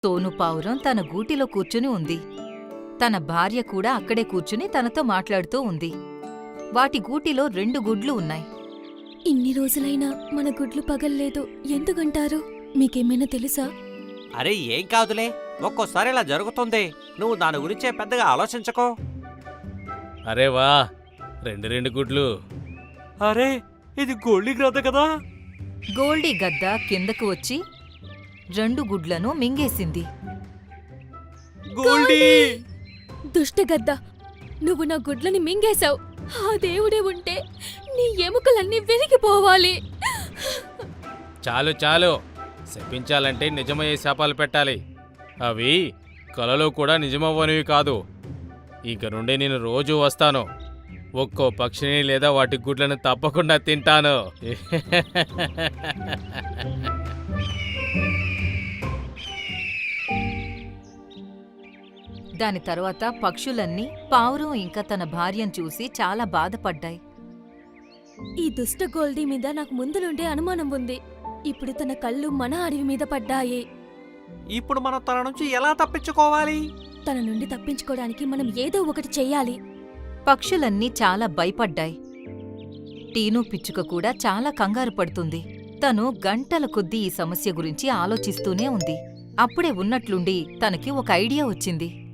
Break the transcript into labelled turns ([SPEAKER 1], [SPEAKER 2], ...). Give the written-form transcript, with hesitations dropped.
[SPEAKER 1] సోను పావురం తన గూటిలో కూర్చుని ఉంది. తన భార్య కూడా అక్కడే కూర్చుని తనతో మాట్లాడుతూ ఉంది. వాటి గూటిలో 2 గుడ్లు ఉన్నాయి.
[SPEAKER 2] ఇన్ని రోజులైనా మన గుడ్లు పగల్లేదు ఎందుకంటారు? మీకేమైనా తెలుసా?
[SPEAKER 3] అరే ఏం కాదులే, ఒక్కోసారి ఇలా జరుగుతుంది. నువ్వు దాని గురించే పెద్దగా ఆలోచించకో.
[SPEAKER 4] అరే వా, రెండు గుడ్లు.
[SPEAKER 3] అరే ఇది గోల్డీ గ్రద్ద కదా.
[SPEAKER 1] గోల్డీ గద్ద కిందకు వచ్చి 2 గుడ్లను మింగేసింది.
[SPEAKER 3] గోల్డీ!
[SPEAKER 2] దుష్టగద్ద, నువ్వు నా గుడ్లని మింగేశావు. ఆ దేవుడే ఉంటే నీ ఎముకలన్నీ విరిగిపోవాలి.
[SPEAKER 4] చాలు చాలు, శపించాలంటే నిజమయ్యే శాపాలు పెట్టాలి. అవి కలలో కూడా నిజమవ్వనివి కాదు. ఇక నుండి నేను రోజూ వస్తాను. ఒక్కో పక్షిని లేదా వాటి గుడ్లను తప్పకుండా తింటాను.
[SPEAKER 1] దాని తరువాత పక్షులన్నీ పావురం ఇంకా తన భార్యను చూసి చాలా బాధపడ్డాయి.
[SPEAKER 2] ఈ దుష్ట గోల్డీ మీద నాకు ముందు నుండే అనుమానం ఉంది. ఇప్పుడు తన కళ్ళు మన అడవి మీద పడ్డాయి.
[SPEAKER 3] ఇప్పుడు మనం తన నుంచి ఎలా తప్పించుకోవాలి?
[SPEAKER 2] తన నుండి తప్పించుకోవడానికి మనం ఏదో ఒకటి చెయ్యాలి.
[SPEAKER 1] పక్షులన్నీ చాలా భయపడ్డాయి. టీను పిచ్చుక కూడా చాలా కంగారు పడుతుంది. తను గంటల కొద్దీ ఈ సమస్య గురించి ఆలోచిస్తూనే ఉంది. అప్పుడే ఉన్నట్లుండి తనకి ఒక ఐడియా వచ్చింది.